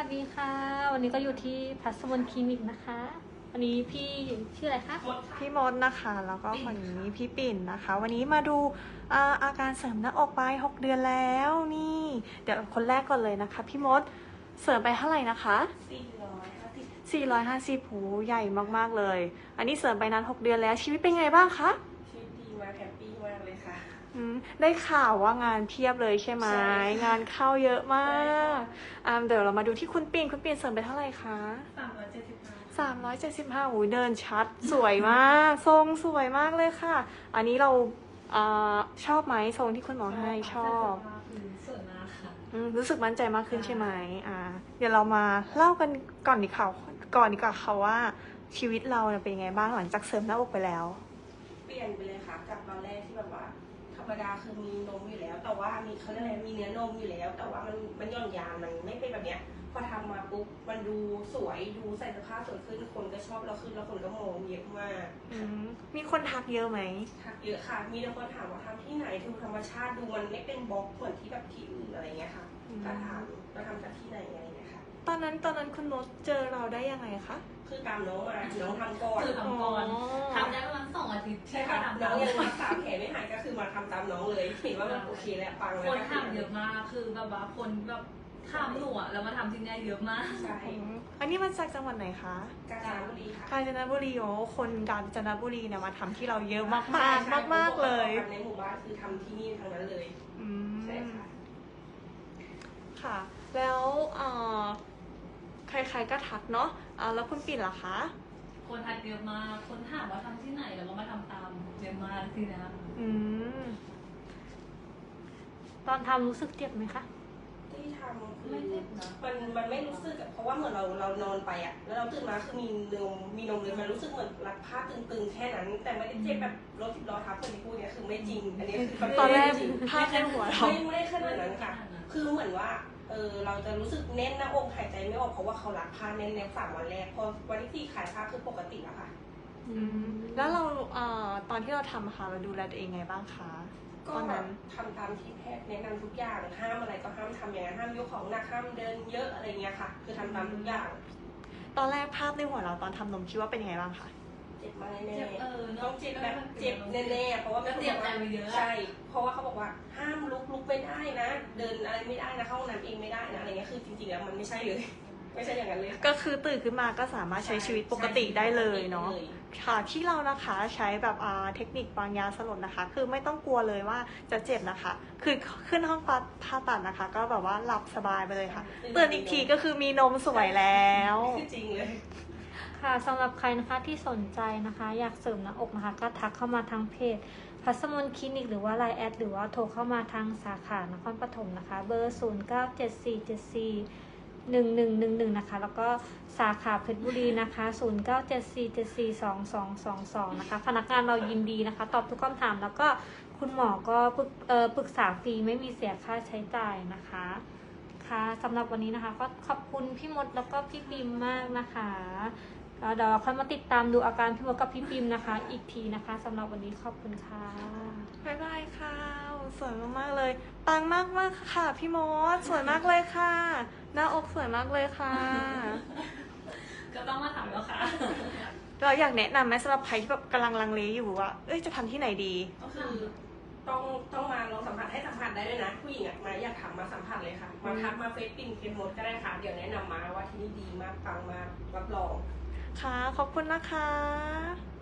วัสดีค่ะวันนี้ก็อยู่ที่พัสมนคลินิกนะคะวันนี้พี่ชื่ออะไรคะพี่มดนะคะแล้วก็คนนี้พี่ปิ่นนะคะ วันนี้มาดูอาการเสริมหน้าอกไป6 เดือนแล้วนี่เดี๋ยวคนแรกก่อนเลยนะคะพี่มดเสริมไปเท่าไหร่นะคะ450หูใหญ่มากๆเลยอันนี้เสริมไปนาน6 เดือนแล้วชีวิตเป็นไงบ้างคะชีวิตดีมากแฮปปี้มากเลยค่ะได้ข่าวว่างานเพียบเลยใช่ไหมงานเข้าเยอะมากเดี๋ยวเรามาดูที่คุณปิ่นเสริมไปเท่าไหร่คะ375หูเดินชัดสวยมากทรงสวยมากเลยค่ะอันนี้เราชอบไหมทรงที่คุณหมอให้ชอบสวยมากค่ะรู้สึกมั่นใจมากขึ้นใช่ไหมเดี๋ยวเรามาเล่ากันก่อนดีกว่าค่ะว่าชีวิตเราเป็นยังไงบ้างหลังจากเสริมหน้าอกไปแล้วเปลี่ยนไปเลยค่ะจากตอนแรกที่แบบว่าธรรมดาคือมีนมอยู่แล้วแต่ว่ามีเขาเรียกอะไรมีเนื้อนมอยู่แล้วแต่ว่ามันย่อนยานมันไม่เป็นแบบเนี้ยพอทำมาปุ๊บมันดูสวยดูใส่เสื้อผ้าสวยขึ้นคนก็ชอบเราขึ้นแล้วคนก็มองเยอะมากมีคนทักเยอะไหมทักเยอะค่ะมีแต่คนถามว่าทำที่ไหนดูธรรมชาติดูมันไม่เป็นบล็อกเหมือนที่แบบที่อื่นอะไรเงี้ยค่ะก็ถามเราทำจากที่ไหนอะไรเงี้ยค่ะตอนนั้นคุณมดเจอเราได้ยังไงคะคือตามน้องมาน้องทำก่อนคือทำก่อนทำได้ประมาณ2 อาทิตย์ใช่ค่ะน้องยังรักษาแผลไม่หายก็คือมาทำตามน้องเลยเห็นว่ามันโอเคแล้วปังแล้วคนทำเยอะมากคือแบบว่าคนแบบถามหนูอะแล้วมาทำที่นี่เยอะมากใช่อันนี้มาจากจังหวัดไหนคะกาญจนบุรีค่ะกาญจนบุรีโอ้คนกาญจนบุรีเนี่ยมาทำที่เราเยอะมากเลยในหมู่บ้านคือทำที่นี่ทั้งนั้นเลยใช่ค่ะค่ะแล้วใครๆก็ทักเนาะแล้วคุณปิ่นล่ะคะคนทักเยอะมากคนถามว่าทำที่ไหนแล้วก็มาทำตามเยอะมากที่นะตอนทำรู้สึกเจ็บไหมคะที่ทำคือมันไม่รู้สึกเพราะว่าเหมือนเรานอนไปแล้วเราตื่นมาคือมีนมเลยมันรู้สึกเหมือนรัดผ้าตึงๆแค่นั้นแต่ไม่ได้เจ็บแบบรถ10 ล้อทับคนที่พูดเนี่ยคือไม่จริงอันนี้คือตอนแรกผ้าแค่หัวเราไม่ขนาดนั้นค่ะคือเหมือนว่าเราจะรู้สึกแน่นหน้าอกหายใจไม่ออกเพราะว่าเขารัดผ้าแน่นๆ3 วันแรกพอวันที่4ขายผ้าคือปกติแล้วค่ะแล้วเราตอนที่เราทำค่ะเราดูแลตัวเองไงบ้างคะก็ทำตามที่แพทย์แนะนำทุกอย่างห้ามอะไรก็ห้ามทำอย่างนั้นห้ามยกของหนักห้ามเดินเยอะอะไรเงี้ยค่ะคือทำตามทุกอย่างตอนแรกภาพในหัวเราตอนทำนมคิดว่าเป็นยังไงบ้างคะเจ็บมากแน่ๆต้องเจ็บแบบเจ็บแน่ๆเพราะว่าเจ็บใจไปเยอะใช่เพราะว่าเขาบอกว่าห้ามลุกไม่ได้นะเดินอะไรไม่ได้นะเข้าห้องน้ำเองไม่ได้นะอะไรเงี้ยคือจริงๆแล้วมันไม่ใช่เลยไม่ใช่อย่างนั้นเลยก็คือตื่นขึ้นมาก็สามารถใช้ชีวิตปกติได้เลยเนาะค่ะที่เรานะคะใช้แบบเทคนิควางยาสลบนะคะคือไม่ต้องกลัวเลยว่าจะเจ็บนะคะคือขึ้นห้องผ่าตัดนะคะก็แบบว่าหลับสบายไปเลยค่ะตื่นอีกทีก็คือมีนมสวยแล้วจริงเลยค่ะสำหรับใครนะคะที่สนใจนะคะอยากเสริมหน้าอกนะคะก็ทักเข้ามาทางเพจพัสมนคลินิกหรือว่าไลน์แอดหรือว่าโทรเข้ามาทางสาขานครปฐมนะคะเบอร์0974741111นะคะแล้วก็สาขาเพชรบุรีนะคะ0974742222นะคะพนักงานเรายินดีนะคะตอบทุกคำถามแล้วก็คุณหมอก็ปรึกษาฟรีไม่มีเสียค่าใช้จ่ายนะคะค่ะสำหรับวันนี้นะคะก็ขอบคุณพี่มดแล้วก็พี่ปิมมากนะคะเดี๋ยวเราค่อยมาติดตามดูอาการพี่มดกับพี่ปิมนะคะอีกทีนะคะสำหรับวันนี้ขอบคุณค่ะบ๊ายบายค่ะสวยมากๆเลยปังมากค่ะพี่มดสวยมากเลยค่ะหน้าอกสวยมากเลยค่ะก็ต้องมาถามแล้วค่ะเราอยากแนะนำไหมสำหรับใครที่แบบกำลังลังเลอยู่ว่าจะทำที่ไหนดีก็คือต้องมาลองสัมผัสให้สัมผัสได้ด้วยนะผู้หญิงมาอยากถามมาสัมผัสเลยค่ะมาทักมาเฟซปิ่นเคนมดก็ได้ค่ะเดี๋ยวแนะนำมาว่าที่นี่ดีมากปังมากรับรองค่ะขอบคุณนะคะ